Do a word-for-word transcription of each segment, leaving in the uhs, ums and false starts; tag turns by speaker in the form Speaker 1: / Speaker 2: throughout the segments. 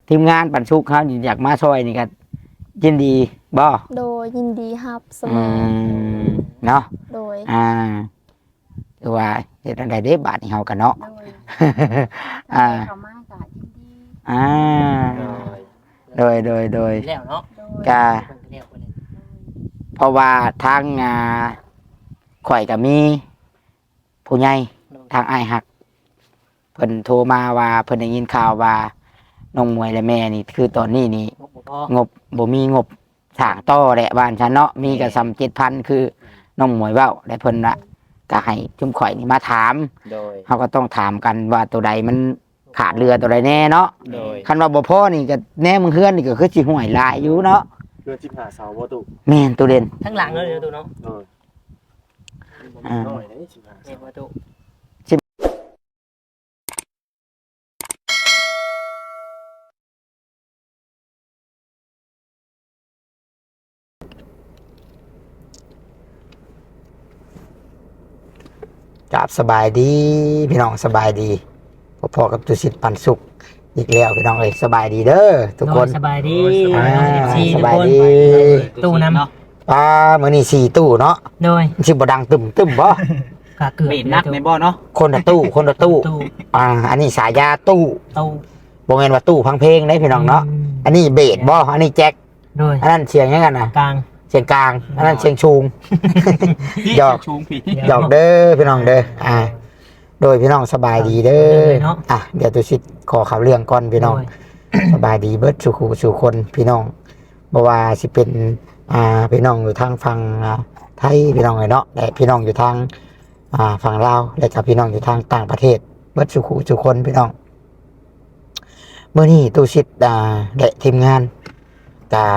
Speaker 1: ทีมงานปันสุกเขาอยากมาช่วยนี่ก็ยินดีบ่
Speaker 2: โดยยินดีครับเสม
Speaker 1: อื
Speaker 2: อ
Speaker 1: มเนาะ
Speaker 2: โดย
Speaker 1: อ่าคือว่าเฮ็ดจังได๋เด้บาดนี้เฮากันเนาะ
Speaker 3: โดย
Speaker 1: อ่า
Speaker 3: เขามากะยินดี
Speaker 1: อ่าโดยโดยโดย
Speaker 4: แล้วเนาะ
Speaker 3: โดย
Speaker 1: กะ
Speaker 4: เพิ่นก็แล้วเพิ่น
Speaker 1: เพราะว่าทางอ่าข่อยก็มีผู้ใหญ่ทางอ้ายฮักเพิ่นโทรมาว่าเพิ่นได้ยินข่าวว่าน้องมวยและแม่นี่คือตอนนี้นี่
Speaker 4: งบบ่พอง
Speaker 1: บบ่มีงบสร้างต่อแหละบ้านฉันเนาะมีก็ซ้ำเจ็ดพันคือน้องมวยเว้าและเพิ่นละก็ให้ชุมข่อยนี่มาถาม
Speaker 5: โดย
Speaker 1: เฮาก็ต้องถามกันว่าตัวใดมันขาดเรือตัวใดแน่เนาะ
Speaker 5: โดย
Speaker 1: คันว่าบ่พอนี่ก็แน่มึงเฮือนนี่ก็คือสิห่วยหลายอยู่เนาะ
Speaker 5: เพื่อจิ้มหาเสาบ่ตุ
Speaker 1: แม่นตัวเด่น
Speaker 4: ทั้งหลังเลยเด้อตูเนาะ
Speaker 5: โดย
Speaker 1: อ่า
Speaker 5: น้อยได้จิ้มหา
Speaker 4: เห็
Speaker 5: เสาน
Speaker 4: บ่ตู
Speaker 1: กับสบายดีพี่น้องสบายดีพอๆกับตุสิทธิ์ปันสุขอีกแล้วพี่น้องเอ้ยสบายดีเด้อทุกคน
Speaker 4: สบายดี
Speaker 1: อ่า
Speaker 4: ซี
Speaker 1: ส
Speaker 4: ทุก
Speaker 1: บาย
Speaker 4: คน
Speaker 1: ดี
Speaker 4: ตู้น้ำ
Speaker 1: ป้ามื้อนี้สี่ตู้เนาะ
Speaker 4: โดย
Speaker 1: สิบ่ดังตึมตึมบ่
Speaker 4: กะเกือบ
Speaker 6: เบ็ดนักในบ่อเนาะ
Speaker 1: คนละตู้คนละตู้
Speaker 4: ตู้
Speaker 1: อ่าอันนี้สายยาตู้
Speaker 4: ตู้
Speaker 1: บ่แม่นว่าตู้พังเพลงได้พี่น้องเนาะอันนี้เบสบ่อันนี้แจ็ค
Speaker 4: โดย
Speaker 1: อันนั้นเสียงยังกันน่ะ
Speaker 4: กลาง
Speaker 1: เสียงกลางอันนั้นเสียงชูง
Speaker 6: พี่
Speaker 1: หยอก
Speaker 6: ชูงพี่
Speaker 1: หยอกเด้อพี่น้องเด้ออ่า โดยพี่น้องสบายดีเด้ออ่ะเดี๋ยวตุสิทธิ์ขอข่าวเรื่องก่อนพี่น้อง สบายดีเบิดสู่คู่สู่คนพี่น้องบ่ว่าสิเป็นอ่าพี่น้องอยู่ทางฝั่งอ่าไทยพี่น้องเลยเนาะและพี่น้องอยู่ทางอ่าฝั่งลาวและกับพี่น้องอยู่ทางต่างประเทศเบิดสู่คู่สู่คนพี่น้องเมื่อนี้ตุสิทธิ์อ่าและทีมงานกา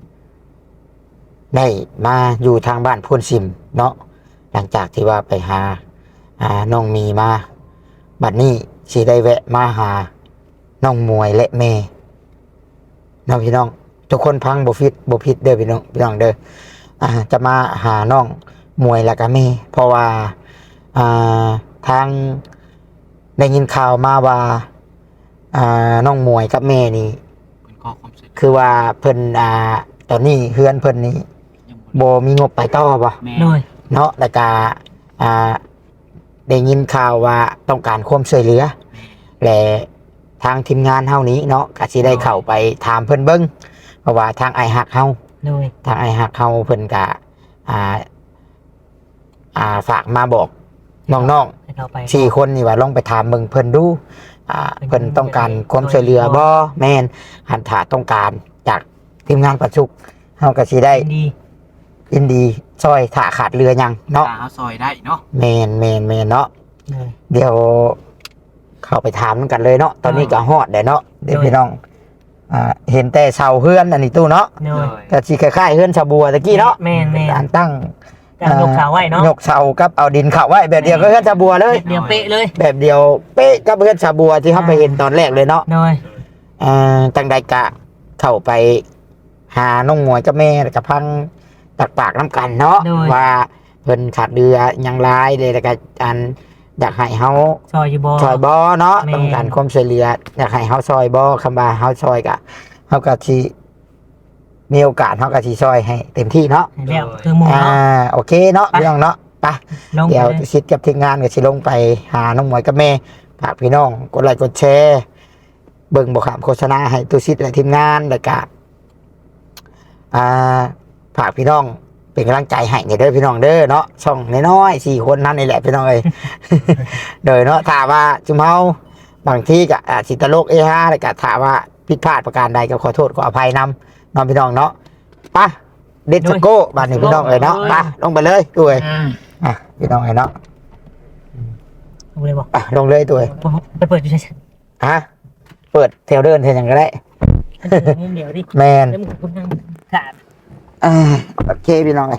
Speaker 1: ได้มาอยู่ทางบ้านพูนซิมเนาะหลังจากที่ว่าไปหาอ่าน้องมีมาบัดนี้สิได้แวะมาหาน้องมวยและแม่น้องพี่น้องทุกคนพังบ่ฟิตบ่ผิดเด้อพี่น้องพี่น้องเด้ออ่าจะมาหาน้องมวยและก็แม่เพราะว่าอ่าทางได้ยินข่าวมาว่าอ่าน้องมวยกับแม่นี่
Speaker 6: เป็นข้อความเสร็จ
Speaker 1: คือว่าเพิ่นอ่าตอนนี้เฮือนเพิ่นนี่
Speaker 6: ยัง
Speaker 1: บ่มีงบไปต่อบ่
Speaker 6: แม่
Speaker 4: โดย
Speaker 1: เนาะแล้วก็อ่าได้ยินข่าวว่าต้องการความช่วยเหลือและทางทีมงานเฮานี้เนาะก็สิได้เข้าไปถามเพิ่นเบิ่งเพราะว่าทางไอฮักเฮา
Speaker 4: โดย
Speaker 1: ทางไอฮักเฮาเพิ่นก็อ่าอ่าฝากมาบอกน้อง
Speaker 4: ให้เราไป
Speaker 1: ๆสี่คนนี่ว่าลองไปถามเบิ่งเพิ่นดูอ่าเพิ่นต้องการความช่วยเหลือบ่แม่นหันถ้าต้องการจากทีมงานประชุกเฮาก็สิได้
Speaker 4: ดี
Speaker 1: ยินดีช่วยถ้าขาดเรือหยังเนาะ
Speaker 6: ตาเขาซอยได้เนาะ
Speaker 1: แมนแมนแมนเนาะ
Speaker 4: โดย
Speaker 1: เดี๋ยวเข้าไปถามกันเลยเนาะตอนนี้ก็ฮอดเด้เนาะเดี๋ยว
Speaker 4: โดย
Speaker 1: พี่น้องอ่าเห็นแต่เสาเฮือนอันนี้ตู้เนาะ
Speaker 4: โดย
Speaker 1: ก็สิคล้ายๆเฮือนชาวบัวตะกี้เนาะ
Speaker 4: แม่นแม่น
Speaker 1: การตั้ง
Speaker 4: การยกขาไว้เนาะ
Speaker 1: ยกเสากับเอาดินเข้าไว้แบบเดียวก็เฮือนชาวบัวเลย
Speaker 4: เดียวเป๊ะเลย
Speaker 1: แบบเดียวเป๊ะกับเฮือนชาวบัวที่เขาไปเห็นตอนแรกเลยเนาะ
Speaker 4: โดย
Speaker 1: อ่าจังใดกะเข้าไปหาน้องหมวยกับแม่แล้วกับพังตักปากน้ำกันเนาะ
Speaker 4: โดย
Speaker 1: ว่าเพิ่นขาดเรือหยังหลายเลยแล้วก็อันอยากให้เฮา
Speaker 4: ซอยอยู่บ่
Speaker 1: ซอยบ่เนาะ
Speaker 4: แม่
Speaker 1: ต้องการความช่วยเหลืออยากให้เฮาซอยบ่คำว่าเฮาซอยก็เฮาก็สิมีโอกาสเฮาก็สิซอยให้เต็มที่เนาะ
Speaker 4: ให้แล้วคือหมู่
Speaker 1: อ่า
Speaker 4: เนาะ
Speaker 1: โอเคเนาะ
Speaker 4: ไป
Speaker 1: พี่น้องเนาะไป
Speaker 4: ลงไป
Speaker 1: เดี๋ยว
Speaker 4: เลย
Speaker 1: ชิดกับทีมงานก็สิลงไปหาน้องหมวยกับแม่ฝากพี่น้องกดไลค์กดแชร์เบิ่งบ่ขามโฆษณาให้ตุชิดและทีมงานแล้วก็อ่าฝากพี่น้องเป็นกำลังใจให้เด้อพี่น้องเด้อเนาะช่องน้อยๆสี่คนนั่นนี่แหละพี่น้องเอ้ย โดยเนาะถ้าว่าจุมเฮาบางทีก็อาจสิตลกเอฮาแล้วก็ถ้าว่าผิดพลาดประการใดก็ขอโทษขออภัยนำน้องพี่น้องเนาะไปเด็ดสโก้บ้านนี้พี่น้องเอ้ยเนาะไปลงไปเลยตัวเอ้ย
Speaker 4: อ่า
Speaker 1: อ่ะพี่น้องเอ้ยเนาะ
Speaker 4: ลงเลยบ่
Speaker 1: อ่ะลงเลยตัวเอ้ย
Speaker 4: ไปเปิดอยู่ใช่
Speaker 1: ฮะเปิดเทลเดินเทลยังก็ได้
Speaker 4: เดี๋ยวดิ
Speaker 1: แมน
Speaker 4: แล้วมึงคุณนั่งขาด
Speaker 1: อ่าโอเคพี่น้องเอ้ย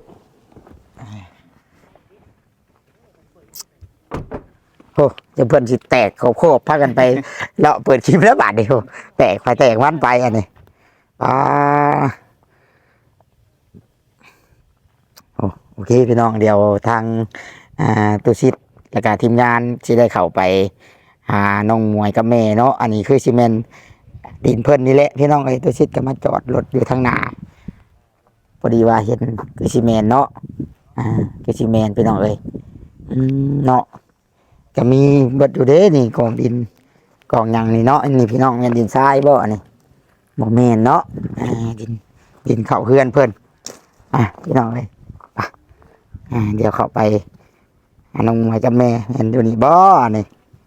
Speaker 1: โอ้จะเพื่อนสิแตกโคบๆพากันไปเลาะเปิดคลิปแล้วบาทเดียวแตกไปแตกวันไปอันนี้อ่าโอ้โอเคพี่น้องเดี๋ยวทางอ่าตุชิตและการทีมงานที่ได้เข้าไปหาน้องมวยกับแม่เนาะอันนี้คือซีเมนดินเพิ่นนี่แหละพี่น้องเอ้ยตัวชิดก็มาจอดรถอยู่ทางหน้าพอดีว่าเห็นคือซีเมนเนาะอ่าคือซีเมนพี่น้องเอ้ยอืมเนาะก็มีเบิดอยู่เด้นี่กองดินกองหยังนี่เนาะอันนี้พี่น้องแม่นดินทรายบ่อันนี้บ่แม่นเนาะอ่าดินดินเข้าเฮือนเพิ่นอ่ะพี่น้องเอ้ยไปอ่าเดี๋ยวเข้าไปหาน้องมวยกับแม่เห็นอยู่นี่บ่นี่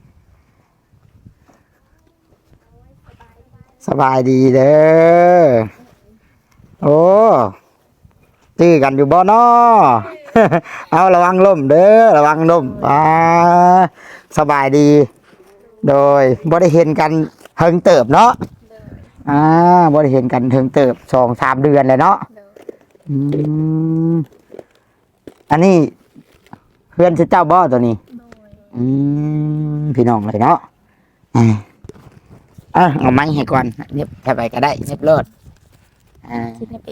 Speaker 1: สบายดีเด้อ โอ้ตื้อกันอยู่บ่นอ เอาระวังล่มเด้อระวังล่มอ่าสบายดี โดยบ่ได้เห็นกันเฮิงเติบเนาะอ่าบ่ได้เห็นกันเฮิงเติบสองสามเดือนเลยเนาะอืมอันนี้เพื่อนชื่อเจ้าบ่ตัวนี้อืมพี่น้องเลยเนาะอ่า อ่ะเอาไม้ให้ก่อนเน็บแค่ไปก็ได้เน็บเลิศอ่า
Speaker 2: คิดในเอง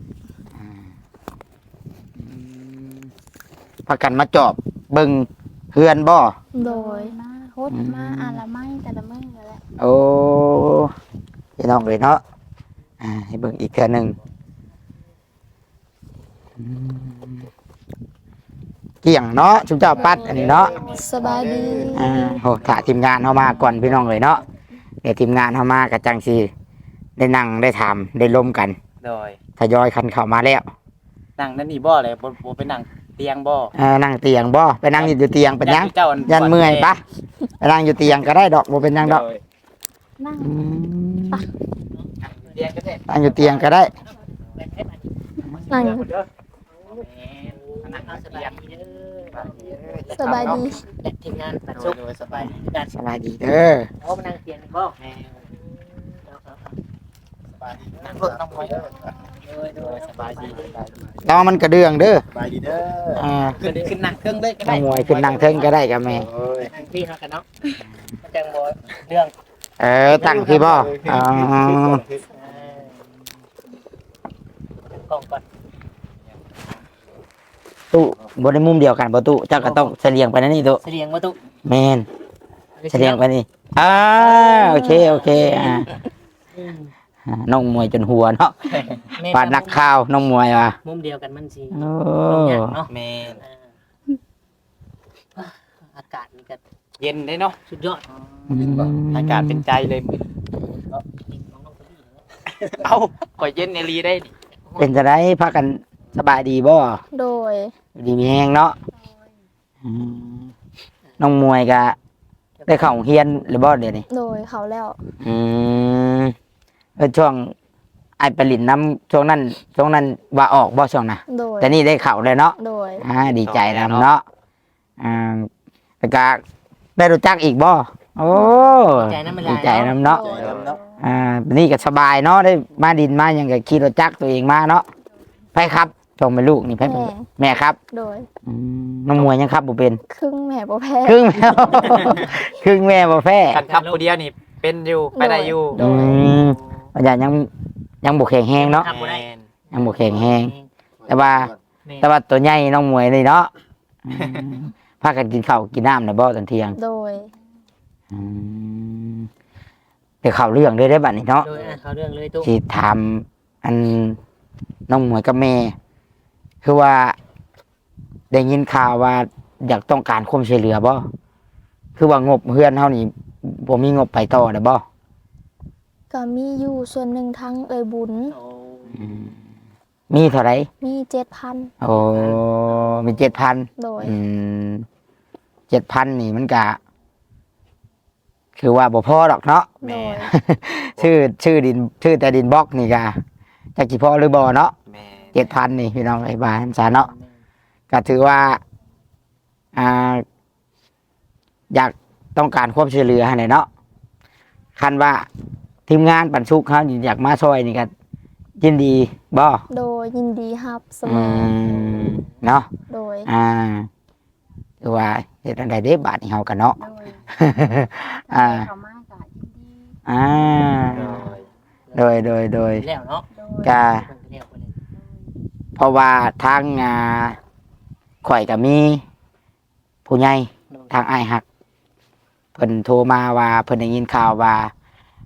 Speaker 1: พักกันมาจอบเบิ่งเฮือนบ่
Speaker 2: โดย
Speaker 3: มาฮดมาอ่านละไม้แต่ละมื้อนั่นแหละ
Speaker 1: โอ้พี่น้องเลยเนาะอ่าให้เบิ่งอีกเทื่อหนึงอืมเกี่ยงเนาะชุมเจ้าปัดอันนี้เนาะ
Speaker 2: สบายดี
Speaker 1: อ่าโหถ้าทีมงานเฮามาก่อนพี่น้องเลยเนาะเดี๋ยวทีมงานเฮามากับจังสิได้นั่งได้ถามได้ล้มกัน
Speaker 5: โดย
Speaker 1: ทยอยคันเข้ามาแล้ว
Speaker 5: นั่งนั่นนี่บ่เลยบ่บ่ไปนั่งเตียงบ่
Speaker 1: เออนั่งเตียงบ่ไปนั่งอยู่เตียงเป็นหยัง
Speaker 5: เจ้า
Speaker 1: ยันเมื่อยปะไปนั่งอยู่เตียงก็ได้ดอกบ่เป็นหยังดอก
Speaker 3: นั่ง
Speaker 1: อืม
Speaker 5: เตียงก็ได้
Speaker 1: นั่งอยู่เตียงก็ได้
Speaker 2: นั่ง
Speaker 5: นั่งเตียง
Speaker 2: สบายดี
Speaker 4: และทีมงานปัด
Speaker 5: โด
Speaker 4: ซุ
Speaker 5: ย
Speaker 4: ก
Speaker 5: โดยสบาย
Speaker 4: กัน
Speaker 1: สบายดีเด้อ
Speaker 4: โอ้มานั่งเตียงบ่แม่
Speaker 5: สบายดี
Speaker 4: นั่งรถน้องไว้โดยโดยสบายดี
Speaker 1: ตอมันกระเดื่องเด้อ
Speaker 5: สบายดีเด้อ
Speaker 1: อ่า
Speaker 4: ขึ้นขึ้นนั่งเครื่องเลยก็
Speaker 1: น้
Speaker 4: ได้
Speaker 1: องมวยขึ้นนั่งเทิงก็ได้กับแม่
Speaker 5: โอ้ย
Speaker 4: นั่งพี่เฮากันเนาะมันจังบ่เรื่อง
Speaker 1: เออตั้งพี่บ่อ๋อก
Speaker 4: ล้องก่อน
Speaker 1: ตู้บ่ได้มุมเดียวกันบ่ตู้เจ้าก็ต้องเสลียงไปนั่นนี่ตู้
Speaker 4: เสียงบ่ตุ
Speaker 1: แม่นเสลียงไปนี่อ่าโอเคโอเคอ่าอ่าน้องมวยจนหัวเนาะปาดนักข่าวน้องมวยว่ะ
Speaker 4: มุมเดียวกันมันสิ
Speaker 1: โอ้
Speaker 4: ยากเนาะ
Speaker 5: แม่น
Speaker 4: อากาศมันก็
Speaker 5: เย็นได้เนาะ
Speaker 4: สุดยอด
Speaker 1: อืม
Speaker 5: อากาศเป็นใจเลยมื้อเอ้าก็เย็นในรีได้นี่
Speaker 1: เป็นจะได้พักกันสบายดีบ่
Speaker 2: โดย
Speaker 1: ดีมีแห้งเนาะอืมน้องมวยกะได้เข้าโรงเรียนหรือบ่เดี๋ยวนี้
Speaker 2: โดยเขาแล้ว
Speaker 1: อืมเออช่วงไอ้ไปลินน้ำช่วงนั้น ช่วงนั้นว่าออกบ่ช่วงน่ะ
Speaker 2: โดย
Speaker 1: แต่นี่ได้เข้าเลยเนาะ
Speaker 2: โดย
Speaker 1: อ่าดีใจนำเนาะอ่าแล้วก็ได้รู้จักอีกบ่โอ้
Speaker 4: ใจน้ำมัน
Speaker 1: ดีใจนำเนาะ
Speaker 2: โดย
Speaker 5: เนาะ
Speaker 1: อ่านี่ก็สบายเนาะได้มาดินมาหยังก็ขี่รถจักรตัวเองมาเนาะไปครับชมเป็นลูกนี่ไปเป็น
Speaker 2: แม่
Speaker 1: แม่ครับ
Speaker 2: โดย
Speaker 1: อืมน้องมวยยังครับบ่เป็น
Speaker 2: ครึ่งแม่บ่แพ้
Speaker 1: ครึ่งแม่ ครึ่งแม่บ่แพ้
Speaker 5: คันขับผู้เดียวนี่เป็นอยู่ไปได้อยู่
Speaker 2: โด
Speaker 1: อื
Speaker 2: ย
Speaker 1: มปัญญายังยังบ่แข็งแรงเนาะ
Speaker 4: ครับบ่ได้
Speaker 5: แม่น
Speaker 1: ยังบ่แข็งแรง แต่ว่า
Speaker 4: แม่
Speaker 1: แต่ว่าตัวใหญ่น้องมวยนี่เนาะอืมพากันกินข้าวกินน้ำในบ่ตอนเที่ยง
Speaker 2: โดย
Speaker 1: อืมเดี๋ยวเข้าเรื่องเลยได้อบัดนี้เนาะ
Speaker 4: โดยอ่ะเขาเรื่องเลยตุ๊
Speaker 1: สิถามอันน้องมวยกับแม่ คือว่าได้ยินข่าวว่าอยากต้องการความช่วยเหลือบ่คือว่างบเฮือนเฮานี่บ่มีงบไปต่อได้บ่
Speaker 2: ก็มีอยู่ส่วนหนึ่งทั้งเอ่ยบุญ
Speaker 4: โอ้
Speaker 1: อืมมีเท่าไหร่
Speaker 2: มีเจ็ดพัน
Speaker 1: โอ้มีเจ็ดพัน
Speaker 2: โดย
Speaker 1: อืมเจ็ดพันนี่มันกะ คือว่าบ่พอดอกเนาะ
Speaker 2: โดย
Speaker 1: ชื่อชื่อดิน ชื่อแต่ดินบล็อกนี่กะจักสิพอหรือบ่เนาะ
Speaker 5: แม่น
Speaker 1: เจ็ดพันนี่พี่น้องไอ้บ้านสาเนาะก็ถือว่า อ่า อยากต้องการความช่วยเหลือให้เนาะคันว่าทีมงานปันสุกเขาอยากมาช่วยนี่ก็ยินดีบ่
Speaker 2: โดยยินดีครับเสม
Speaker 1: อื
Speaker 2: อ
Speaker 1: มเนาะ
Speaker 2: โดย
Speaker 1: อ่าคือว่าเฮ็ดอันใดเด้บาดนี่เฮากันเนาะ
Speaker 3: โดย
Speaker 1: อ่า
Speaker 3: เขามาก็ยินดี
Speaker 1: อ่า
Speaker 5: โดย
Speaker 1: โดยโดยโดย
Speaker 4: แล้วเนาะ
Speaker 3: โดย
Speaker 1: กะ
Speaker 4: เพิ่นก็แล้วไปเลย
Speaker 1: เพราะว่าทางอ่าข่อยก็มี ผู้ใหญ่ทางอ้ายฮักเพิ่นโทรมาว่าเพิ่นได้ยินข่าวว่า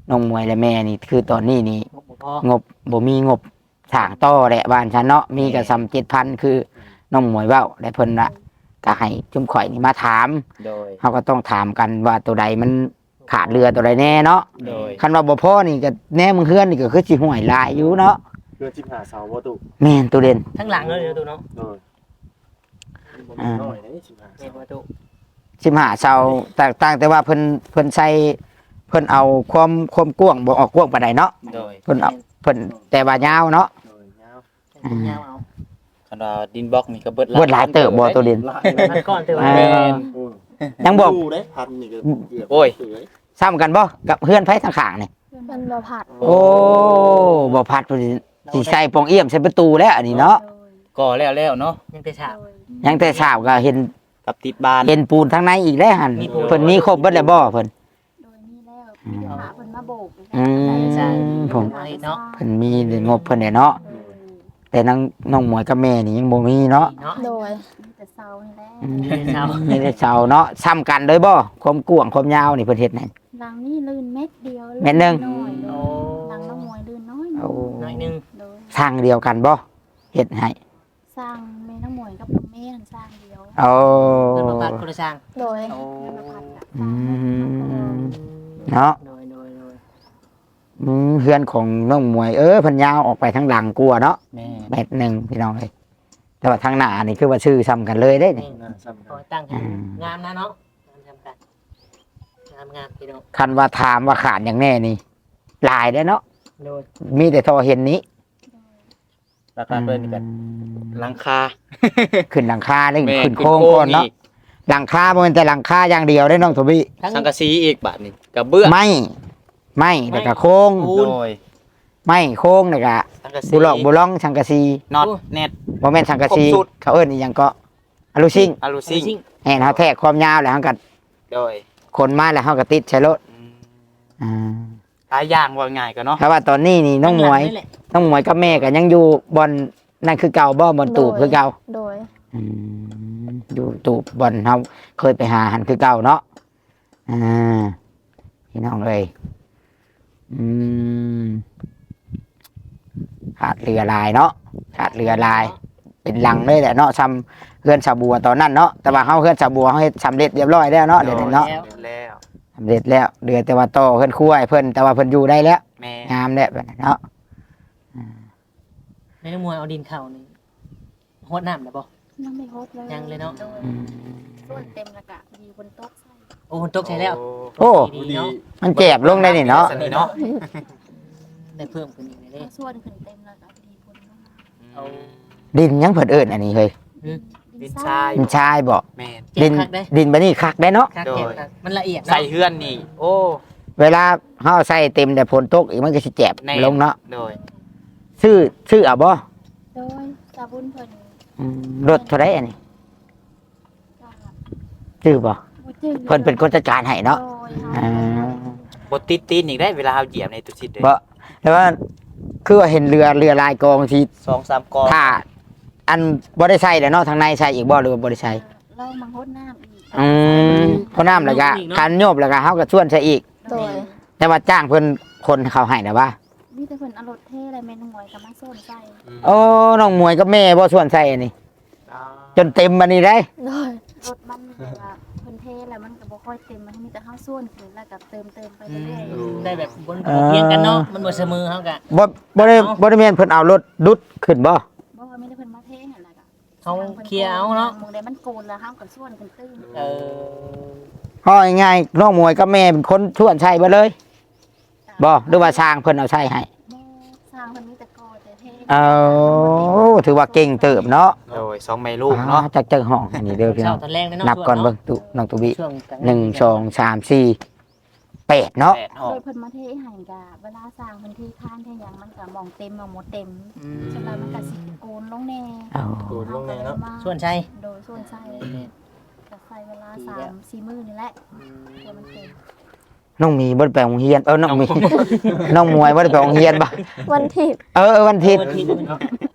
Speaker 1: น้องมวยและแม่นี่คือตอนนี้นี่
Speaker 4: งบบ่พอง
Speaker 1: บบ่มีงบสร้างต่อแหละบ้านฉันเนาะมีก็ซ้ำเจ็ดพันคือน้องมวยเว้าและเพิ่นละก็ให้จุ่มข่อยนี่มาถาม
Speaker 5: โดย
Speaker 1: เขาก็ต้องถามกันว่าตัวใดมันขาดเรือตัวใดแน่เนาะ
Speaker 5: โดย
Speaker 1: คันว่าบ่พอนี่ก็แน่มึงเฮือนนี่ก็คือสิห่วยหลายอยู่เนาะ
Speaker 7: เพื่อจิบหาเสาบ่ตุ
Speaker 1: แม่นตัวเด่น
Speaker 4: ทั้งหลังเลยเด้อตู้เนาะ
Speaker 7: โดยบ่มีน้อยได้สิบหา
Speaker 4: เห็
Speaker 7: เสาน
Speaker 4: บ่ตู้
Speaker 1: สิบห้าเสาแตกต่างแต่ว่าเพิ่นเพิ่นใช้เพิ่นเอาความความกว้างบ่ออกกว้างปานใดเนาะ
Speaker 5: โดย
Speaker 1: เพิ่นเอาเพิ่นแต่ว่ายาวเนาะ
Speaker 7: โดยยาว
Speaker 4: ให้ยาวเอา
Speaker 5: คันว่าดินบล็อกนี่ก็เบิด
Speaker 1: เบิดหลายเติบบ่ตัวเด่น
Speaker 7: หลาย
Speaker 4: พันก้อนเติม
Speaker 1: อ่า
Speaker 5: แม่น
Speaker 7: โอ้ย
Speaker 1: ยังบอก
Speaker 7: ดูได้พันนี่ก็เกือบ
Speaker 5: โอ้ย
Speaker 7: เกือบ
Speaker 1: ซ้ำกันบ่กับเฮือนไผทางข้างนี่
Speaker 2: มันบ่ผัด
Speaker 1: โอ้บ่พัดเพิ่นสิใส่ปองเอี่ยมใส่ประตูแล้วอันนี้เนาะ
Speaker 5: ก่อแล้วแล้วเนาะ
Speaker 4: ยังแต่ฉาบ
Speaker 1: ยังแต่เช้าก็เห็น
Speaker 5: กับติดบาน
Speaker 1: เห็นปูนทางในอีกแล้วหั่น
Speaker 4: มีปูน
Speaker 1: เพิ่นมีครบเบิดแล้วบ่เพิ่น
Speaker 3: โดยนี่แล้วมีแต่หาเพิ่นมาโบก
Speaker 1: อืมผม
Speaker 4: มาอีกเนาะ
Speaker 1: เพิ่นมีงบเพิ่นเนี่ยเนาะแต่นางน้องหมวยกับแม่นี่ยังบ่มีเนาะ
Speaker 4: เนาะ
Speaker 2: โดย
Speaker 3: มีแต่เสานี่แหละ
Speaker 1: อืม
Speaker 4: มีแต่เสา
Speaker 1: มีแต่เสาเนาะซ้ำกันเลยบ่ความกว้างความยาวนี่เพิ่นเฮ็ดให้
Speaker 3: หลังนี่ลื่นเม็ดเดียว
Speaker 1: เม็ดหนึ่ง
Speaker 3: น้อยโด
Speaker 4: โอ้
Speaker 3: ยหลังน้องมวยลื่นน้อย
Speaker 1: โอ้
Speaker 4: น้อยหนึง
Speaker 3: โดย
Speaker 1: สร้างเดียวกันบ่เฮ็ดให้
Speaker 3: สร้างแม่น้องมวยกับน้องแม่นั่นสร้างเดียว
Speaker 1: โอ้
Speaker 4: เพิ่นบ่ปัดคนละช่าง
Speaker 2: โดย
Speaker 4: โอ้
Speaker 3: เงินมาพันกับ
Speaker 1: อืมเนาะ
Speaker 4: โดยโดยโดย
Speaker 1: อืมเฮือนของน้องหมวยเออเพิ่นยาวออกไปทางหลังกลัวเนาะ
Speaker 5: แม่
Speaker 1: เม็ดหนึงพี่น้องเอ้ยแต่ว่าทางหน้านี่คือว่าชื่อซ้ำกันเลยได้นี่
Speaker 7: น่าซ้ำ
Speaker 4: ขอตั้งให้งามนะเนาะงามจำกัดงามงามพี่น้อง
Speaker 1: คันว่าถามว่าขาดอย่างแน่นี่หลายได้อเนาะ
Speaker 4: โดย
Speaker 1: มีแต่ทอเห็นนี้
Speaker 5: ราคาเพิ่นนี่ก็หลังคา
Speaker 1: ขึ้นหลังคาได้
Speaker 5: แม่
Speaker 1: ขึ้นโค้งก่อนเนาะ
Speaker 5: อีก
Speaker 1: หลังคาบ่แม่นแต่หลังคาอย่างเดียวได้น้องโทบี้
Speaker 4: ทั้ง
Speaker 5: สังกะสีอีกบาทนี่กระเบื้อง
Speaker 1: ไม่ไม่แล้วก็โค้ง
Speaker 4: ปูน
Speaker 5: โดย
Speaker 1: ไม่โค้งแล้วก็
Speaker 5: สังกะสี
Speaker 1: บุหลอกบุล่องสังกะสี
Speaker 5: น็อตเน็ต
Speaker 1: บ่แม่นสังกะสี
Speaker 5: ครบสุด
Speaker 1: เขาเอิ้นอีหยังก็อะลูซิ่ง
Speaker 5: อะลูซิ่ง
Speaker 4: ซิ่ง
Speaker 1: แห่นเฮาแทกความยาวแล้วเฮาก็
Speaker 5: โดย
Speaker 1: คนมาแล้วเฮาก็ติดใช้รถ
Speaker 5: อืม
Speaker 1: อ่า
Speaker 5: หลายอย่างว่าง่ายก็เนาะ
Speaker 1: เพราะว่าตอนนี้นี่น้องหมวย
Speaker 4: ข้าหลันี่แหละ
Speaker 1: น้องหมวยกับแม่ก็ยังอยู่บอนนั่นคือเก่าบ่บอนตูบคือเก่า
Speaker 2: โดย
Speaker 1: อืมอยู่ตูบบอนเฮาเคยไปหาหันคือเก่าเนาะอ่าพี่น้องเอ้ยอืมขาดเรือลายเนาะขาดเรือลาย เป็นหลังเลยแหละเนาะซ้ำเฮือนชาวบัวตอนนั้นเนาะแต่ว่าเฮาเฮือนชาวบัวเฮาเฮ็ดสำเร็จเรียบร้อยแล้วเนาะเดี๋ยวนี้เนาะ
Speaker 5: แล้ว
Speaker 1: สำเร็จแล้วเดือแต่ว่าต่อเฮือนครัวให้เพิ่นแต่ว่าเพิ่นอยู่ได้แล้ว
Speaker 5: แม่
Speaker 1: งามแล้วแบบนั้นเนาะ
Speaker 4: ในมวยเอาดินเข่านี่โหดน้ำนะบ่
Speaker 3: ยังไม่ครบเลย
Speaker 4: ยังเลยเนาะ
Speaker 3: โดยส่วนเต็มและกะดีบนโต๊ะใส่
Speaker 4: โอ้คนตกใช้แล้ว
Speaker 1: โอ้
Speaker 4: ดีเนาะ
Speaker 1: มันเจ็บลงได้นี่เนาะ
Speaker 5: สนิทเนาะ
Speaker 4: ได้เพิ่มขึ้นอีกเลยเด้
Speaker 3: ส่วนขึ้นเต็มและกะดีบนลงมา
Speaker 4: เอา
Speaker 1: ดินยังเพิ่นเอิ้นอันนี้เฮ้ย
Speaker 5: ดินทราย
Speaker 1: ดินชายบ่
Speaker 5: แม่น
Speaker 4: เจ็
Speaker 1: ดิ
Speaker 4: บ
Speaker 1: น
Speaker 4: คักได้
Speaker 1: ดินบัดนี้คักได้เนาะ
Speaker 4: คัก
Speaker 5: โดย
Speaker 4: เจ็บคักมันละเอียด
Speaker 5: ใส่
Speaker 4: เนาะ
Speaker 5: เฮือนนี่ โอ้
Speaker 1: เวลาเฮาใส่เต็มแต่ฝนตกอีกมันก็สิเจ็บ
Speaker 5: แน่
Speaker 1: ลงเนาะ
Speaker 5: โดย
Speaker 1: ซื้อซื้อเอาบ่
Speaker 3: โดยสาบุญเพิ่น
Speaker 1: อืมรถเท่าไรอันนี้
Speaker 3: ก็
Speaker 1: ซื้อบ่
Speaker 3: บ่จืด
Speaker 1: เพิ่นเป็นคนจัดการให้เนาะ
Speaker 3: โดย
Speaker 1: อ่า
Speaker 5: บดติดตีนอีกได้เวลาเอาเหยียบในตุชิดเลย
Speaker 1: บ่แต่ว่าคือว่าเห็นเรือเรือลายกองที่
Speaker 5: สองสามกอง
Speaker 1: ถ้าอันบ่ได้ใส่แล้วเนาะทางในใส่อีกบ่หรือว่าบ่ได้ใส่
Speaker 3: เรามาฮดน้ำอีก
Speaker 1: อืมเพราะน้ำแล้วก็คันโยบแล้วก็เฮาก็ชวนใส่อีก
Speaker 2: โดย
Speaker 1: แต่ว่าจ้างเพิ่นคนเขาให้นะว่า
Speaker 3: มีแต่เพิ่นเอารถเท่อะไรแม่นหวยกับมาส้นใส่
Speaker 1: โอ้น้องมวยกับแม่บ่ชวนใส่อันนี้
Speaker 5: อ่า
Speaker 1: จนเต็มบัดนี้ได้
Speaker 2: โดย
Speaker 3: รถมันแบบว่าเพิ่นเท่แล้วมันก็บ่ค่อยเต็มมันมีแต่ข้าวส้วนขึ้นแล้วก็เติมเติมไปเรื่อย
Speaker 4: ได้แบบบนเพียงกันเนาะมันบ่เสมอเฮากะ
Speaker 1: บ่บ่ได้บ่ได้แม่นเพิ่นเอารถดุดขึ้นบ่
Speaker 3: ๆบ่ว่ามีแต่เพิ่นมาเท่หั่นแหละก็
Speaker 4: เขาเคลียร์เอาเนาะ
Speaker 3: มองได้มันโกนแล้วเฮาก็ส้วนกันตื้น
Speaker 4: เออ
Speaker 1: เฮาง่ายๆน้องมวยกับแม่เป็นคนชวนใส่เบ่เลยบ่หรือว่าสร้างเพิ่นเอาใส่ให้
Speaker 3: บ่สร้างเพิ่นมีแต่กอแต่เท่
Speaker 1: เอาถือว่าเก่งเติบเนาะ
Speaker 5: โดยสองแม่ลูกเนาะ
Speaker 1: จักจังห้องอันนี้เด้อพี่น้
Speaker 4: เช้า
Speaker 1: อง
Speaker 4: ตอนแรกเลยเนาะ
Speaker 1: นับก่อนเบิ่งตุน้องตุบิ
Speaker 4: ช่วงกลาง
Speaker 1: หนึ่งสองสามสี่แปดเนาะ
Speaker 5: แปดห้อง
Speaker 3: โดยเพิ่นมาเท่ให้ก็เวลาสร้างเพิ่นที่ค้านเท่หยังมันก็มองเต็มมองหมดเต็ม
Speaker 4: อืม
Speaker 3: ฉะนั้นมันก็สิโกนลงแน่
Speaker 1: เอา
Speaker 7: โดนลงแน่เนาะ
Speaker 4: ส่วนชัย
Speaker 3: โดยส่วนใส่ก็ใส่เวลาสามสี่มื้อนี่แหละเพื่อมันเต็ม
Speaker 1: น้องมีบ่ได้ไปโรงเรียนเออน้องมี น้องมวยบ่ได้ไปโรงเรียนบ่
Speaker 2: วันที่
Speaker 1: เออเออวันอาทิตย์
Speaker 4: วันที่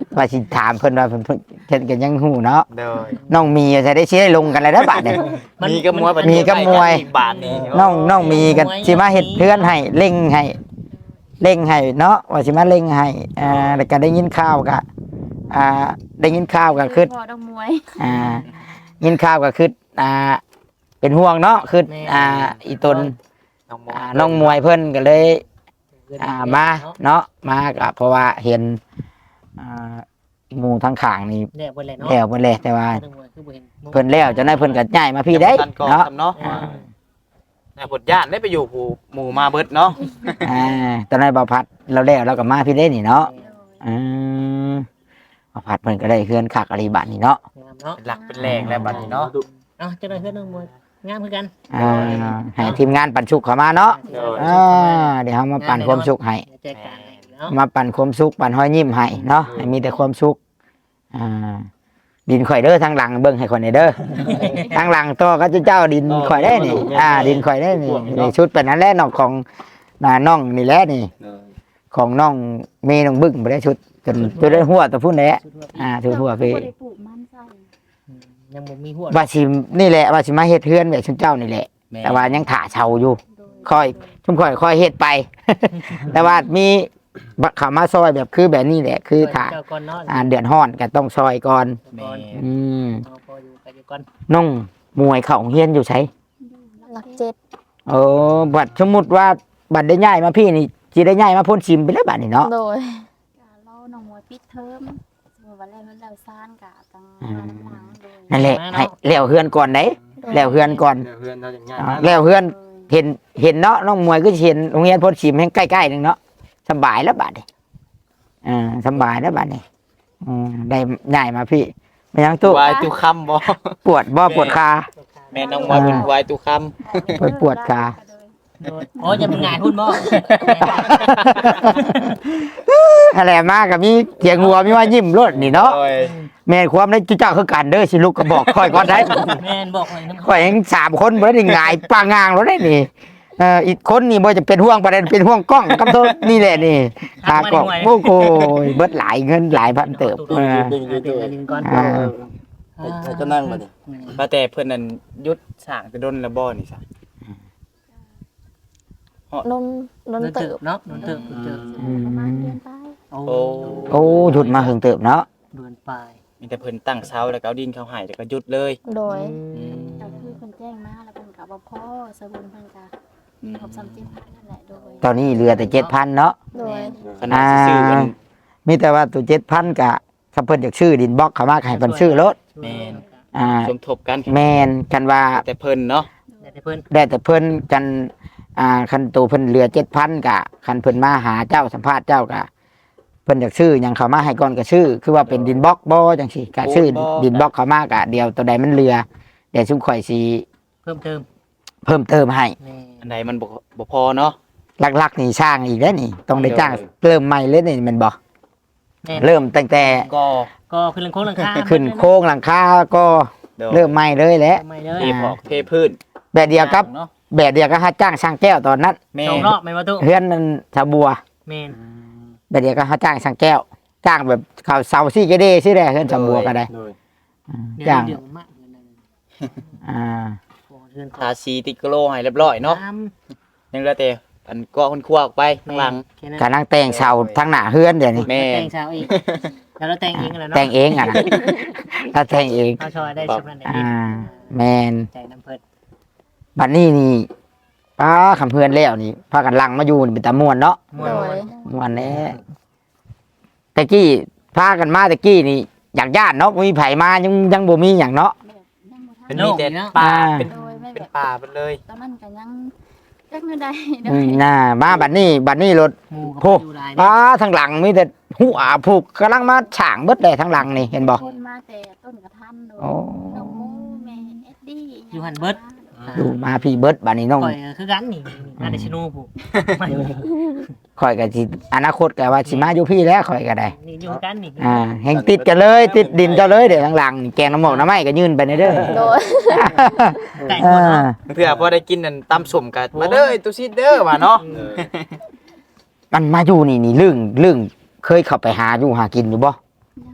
Speaker 1: ว่าสิถามเพิ่นว่าเพิ่นเพิ่นเพิ่นก็ยังฮู้เนาะ
Speaker 5: โดย
Speaker 1: น้องมีจะได้สิได้ลงกันแล้วนะบาดนี้
Speaker 5: มีกับมวย
Speaker 1: มีกับมวย
Speaker 5: อีกบาทนี่
Speaker 1: น้องน้องมีกันสิมาเฮ็ดเพื่อนให้เร่งให้เร่งให้เนาะว่าสิมาเร่งให้อ่าแล้วก็ได้ยินข่าวก็อ่าได้ยินข่าวก็คือ
Speaker 3: พอดอกมวย
Speaker 1: อ่ายินข่าวก็คืออ่าเป็นห่วงเนาะคืออ่าอีตน
Speaker 5: น้องมวย
Speaker 1: อ่าน้องมวยเพิ่นก็เลยอ่ามาเนาะมาก็เพราะว่าเห็นอ่าหมู่ทางข้างนี่
Speaker 4: เนี่ยบนเลยเนาะ
Speaker 1: แล้วเพิ่นแล้วแต่ว่า
Speaker 4: คือบ่เห็น
Speaker 1: เพิ่นแล้วจังได๋เพิ่นก็ย้ายมาพี่ได้
Speaker 5: ทันก่อน
Speaker 1: เนาะ
Speaker 5: ทำเนาะแต่ผลญาติได้ไปอยู่ผู้หมู่มาเบิดเนาะ
Speaker 1: อ่าตอนนั้นบ่าวพัดเราแล้วเราก็มาพี่ได้นี่เนาะอืมบ่าวพัดเพิ่นก็ได้เฮือนคักอริบัตินี่เนาะ
Speaker 4: งามเนาะ
Speaker 5: เป็นหลักเป็นแหล่งแล้วบัดนี้เนาะ
Speaker 4: เอ้าเจ้าหน่อยเพื่อนน้องมวยงามคือกัน
Speaker 1: อ่าให้ทีมงานปันสุขเข้ามาเนาะ
Speaker 5: โดย
Speaker 1: อ่าเดี๋ยวเฮามาปันความสุขให้
Speaker 4: แจกกันเนาะ
Speaker 1: มาปันความสุขปันห้อยยิ้มให้เนาะให้มีแต่ความสุขอ่าดินข่อยเด้อทางหลังเบิ่งให้ข่อยหน่อยเด้อทางหลังตัวก็เจ้าดินข่อยได้นี่อ่าดินข่อยได้นี่นี่ชุดเป็นนั้นแหละน้องของน่ะน้องนี่แหละนี่
Speaker 7: เออ
Speaker 1: ของน้องเมย์น้องบึ้งบ่ได้ชุดจนจนได้หัวตัวพุ่นแหละอ่าถือหัวไป
Speaker 3: บ่ได้ปลูกมันใส่
Speaker 4: ยังบ่มีหัว
Speaker 1: ว่าสินี่แหละว่าสิมาเฮ็ดเฮือนแบบชุนเจ้านี่แหละ
Speaker 5: แม่
Speaker 1: แต่ว่ายังถ่าเช่าอยู่
Speaker 3: โดย
Speaker 1: ค่อยชุมค่อยค่อยเฮ็ดไป แต่ว่ามีเขามาซอยแบบคือแบบนี้แหละ คือถ่า
Speaker 4: เจ้าก่อนเนาะ
Speaker 1: อ่าเดือนฮ้อนก็ต้องซอยก่อน
Speaker 5: แม่
Speaker 1: อืม
Speaker 4: เอาพออยู่กันอยู่ก่อน
Speaker 1: น้องมวยเข้าโรงเรียนอยู่ไส
Speaker 2: หลักเจ็ด
Speaker 1: เออบัดสมมุติว่าบัดได้ย้ายมาพี่นี่สิได้ย้ายมาพ้นชิมไปแล้วบัดนี่เนาะ
Speaker 2: โดย
Speaker 3: กะเล่าน้องมวยปิดเทอมสมมุติว่าแล้วเพิ่นแล้วซ่านกะตังมาน้ำหลังโดย
Speaker 1: นั่นแหละให้แล้วเฮือนก่อนเด้แล้วเฮือนก่อน
Speaker 7: เดี๋ยวเพื่อนเราจะง่าย
Speaker 1: อ่า
Speaker 7: มา
Speaker 1: แล้วเฮือน
Speaker 3: โดย
Speaker 1: เห็นเห็นเนาะน้องมวยก็เห็นโรงเรียนพ้นชิมให้ใกล้ๆนึงเนาะสบายแล้วบัดนี้อ่าสบายแล้วบัดนี้อืมได้ย้ายมาพี่ไม่ยังตู้
Speaker 5: วายตุคำบ่
Speaker 1: ปวดบ่ปวดขา
Speaker 5: แม่น้องมวยเป็นวายตุค
Speaker 1: ปวดปวดขา
Speaker 4: โดดโอ้ยจะเป็นงานหุ้นบ่
Speaker 1: อะไรมากกับมีเสียงหัวมีว่ายิ้มรถนี่
Speaker 5: ำ
Speaker 1: เนาะ
Speaker 5: โดย
Speaker 1: แม่นความได้จุเจ้าคือกันเด้อสิลูกก็บอกค่อยก่อนได้
Speaker 4: แม่นบอกเลยน้ำ
Speaker 1: ข่อยเองสามคนบ่ได้หงายปางงางรถได้นี่เอ่ออีกคนนี่บ่จะเป็นห่วงประเด็นเป็นห่วงกล้องกับโทษนี่แหละนี่หากล้องโอ้โหเบิดหลายเงินหลายพันเติบเออ
Speaker 7: ดึง
Speaker 4: อ่า
Speaker 7: ดึง
Speaker 4: เป็น
Speaker 7: ตัว
Speaker 4: อันนี้ก่อน
Speaker 1: อ่า
Speaker 7: ให้ให้เจะนั่งมาดิ
Speaker 5: ว่าแต่เพิ่นนั่นยุดสร้างแต่ดนละบ่นี่ซะ
Speaker 2: นนนน
Speaker 4: นน
Speaker 2: เติ
Speaker 4: เติ
Speaker 2: บบ
Speaker 4: เนาะนนเติบนนเติบ
Speaker 3: ประมาณเดือนไป
Speaker 4: โอ้
Speaker 5: โอ้
Speaker 1: โอ้หยุดมาหึงเติบเนาะ
Speaker 4: เดือนปลาย
Speaker 5: มีแต่เพิ่นตั้งเสาแล้วก็เอาดินเข้าให้แล้วก็หยุดเลย
Speaker 2: โดย
Speaker 3: ก็คือเพิ่นแจ้งมาแล้วเพิ่นก็บ่พอสบุญเพิ่นก็ครบสามสิบพันนั่นแหละโดย
Speaker 1: ตอนนี้เหลือแต่เจ็ดพันเนาะ
Speaker 2: โดย
Speaker 5: ขนาดสิซื้อกัน
Speaker 1: มีแต่ว่าตัวเจ็ดพันกะถ้าเพิ่นอยากชื่อดินบล็อกเขามาก็ให้เพิ่นชื่อรถ
Speaker 5: แม่น
Speaker 1: อ่า
Speaker 5: สมทบกัน
Speaker 1: แมนกันว่า
Speaker 5: แต่เพิ่นเนาะ
Speaker 4: แต่เพิ่น
Speaker 1: ได้แต่เพิ่นกันอ่าคันตัวเพิ่นเหลือเจ็ดพันกะคันเพิ่นมาหาเจ้าสัมภาษณ์เจ้ากะเพิ่นอยากชื่อหยังเขามาให้ก่อนก็ชื่อ คือว่าเป็นดินบล็อกบ่จังซี่กะชื่อดินบล็อกเขามากะเดียวตัวใดมันเหลือเดี๋ยวชุมข่อยสิ
Speaker 4: เพิ่มเติม
Speaker 1: เพิ่มเติมให้
Speaker 4: แม่
Speaker 5: อันใดมันบ่บ่พอเนาะ
Speaker 1: หลักๆนี่สร้างอีกแล้วนี่ ต้องได้จ้างเริ่มใหม่เลยนี่แมันบ่
Speaker 4: แม่
Speaker 1: เริ่มตั้งแต่
Speaker 5: ก็
Speaker 4: ก็ขึ้นหลังโค้งหลังคา
Speaker 1: ขึ้นโค้งหลังคาก็เริ่มใหม่เลยแหละ
Speaker 4: ไม่เลย
Speaker 5: เทพอกเทพื้น
Speaker 1: แบบเดียวกับ
Speaker 5: เนาะ
Speaker 1: แบบเดียวกับฮัดจ้างช่างแก้วตอนนั้น
Speaker 5: แม่
Speaker 4: สองรอบไม่มาตู้
Speaker 1: เฮือนนั้นชาวบัว
Speaker 4: แม่น
Speaker 1: แบบเดียวกับฮัดจ้างช่างแก้ว จ้างแบบเขาเสาซี่กระเดซี่แหละเฮือนชาวบัวก็ได้
Speaker 7: โดย
Speaker 1: อืม
Speaker 4: เดือ
Speaker 1: จ้าน ง
Speaker 4: เดือนมากเดือนนึง
Speaker 1: อ่า
Speaker 4: โอ้เดือน
Speaker 5: ทาสีติกโลให้เรียบร้อยเนาะยังเหลือแต่อันก็คนครัวออกไปข้างหลัง
Speaker 1: กำลังแต่งเสาทั้งหน้าเฮือนเดี๋ยวนี้
Speaker 5: แม่
Speaker 4: แต่งเช้าอีกแล้วเราแต่งเองกันแล้วเนาะ
Speaker 1: แต่งเองอ่ะนะถ้าแต่งเอง
Speaker 4: เอาชอยได้สำนักไหน
Speaker 1: อ่า แมน
Speaker 4: ใจน้ำเพิ่น
Speaker 1: บัดนี้นี่ป้าคำเพื่อนแล้วนี่พากันลังมาอยู่นี่เป็นตะมวนเนาะ
Speaker 4: ม่ว
Speaker 2: โด
Speaker 4: น
Speaker 2: ย
Speaker 1: มวนแน่ตะกี้พากันมาตะกี้นี่อยากญาติเนาะมีไผมายังยังบ่มีหยังเนาะ
Speaker 3: แบบยังบ่ทัน
Speaker 5: เป็นมีแต่ป่าเป็น
Speaker 3: โดยไม่
Speaker 5: เป็น
Speaker 3: แบบ
Speaker 5: ป่าไปเลย
Speaker 3: ตอนนั้นก็ยังจักเงินใดโด
Speaker 1: อื
Speaker 3: ย
Speaker 1: มน่ามาบัดนี้บัดนี้รถ
Speaker 4: หมู่กับ
Speaker 1: โอ้
Speaker 4: อยู่หลาย
Speaker 1: ป้าทางหลังมีแต่หัวผูกกำลังมาฉางเบิดเลยทางหลังนี่เห็นบ่
Speaker 3: คนมาแต่ต้นกระทันโดย
Speaker 1: โอ้
Speaker 3: น้องมูแม่เอ็ดดี้
Speaker 4: อยู่หันเบิด
Speaker 1: ดูมาพี่เบิดบัดนี้น้อง
Speaker 4: ข่อยคือกันนี่งานเดชโนูผู้ไม่
Speaker 1: ข่อยก็สิอนาคตก็ว่าสิมาอยู่พี่แล้วข่อยก็ได้
Speaker 4: นี่อยู่กันนี่
Speaker 1: อ่าแห่งติดกันเลย ติดดินเจ้าเลยเดี๋ยวทางหลังนี่แกงน้ำหมกน้ำไม้ก็ยื่นไปในเด้อ
Speaker 2: โดย
Speaker 4: ไก่หมดเนาะ
Speaker 5: เพื่อพอได้กินนั่นตำส้มกันมาเด้อตุซิดเด้อว่าเนาะ
Speaker 7: เออ
Speaker 1: มันมาอยู่นี่นี่เรื่องเรื่องเคยเข้าไปหาอยู่หากินอยู่บ่
Speaker 3: ยัง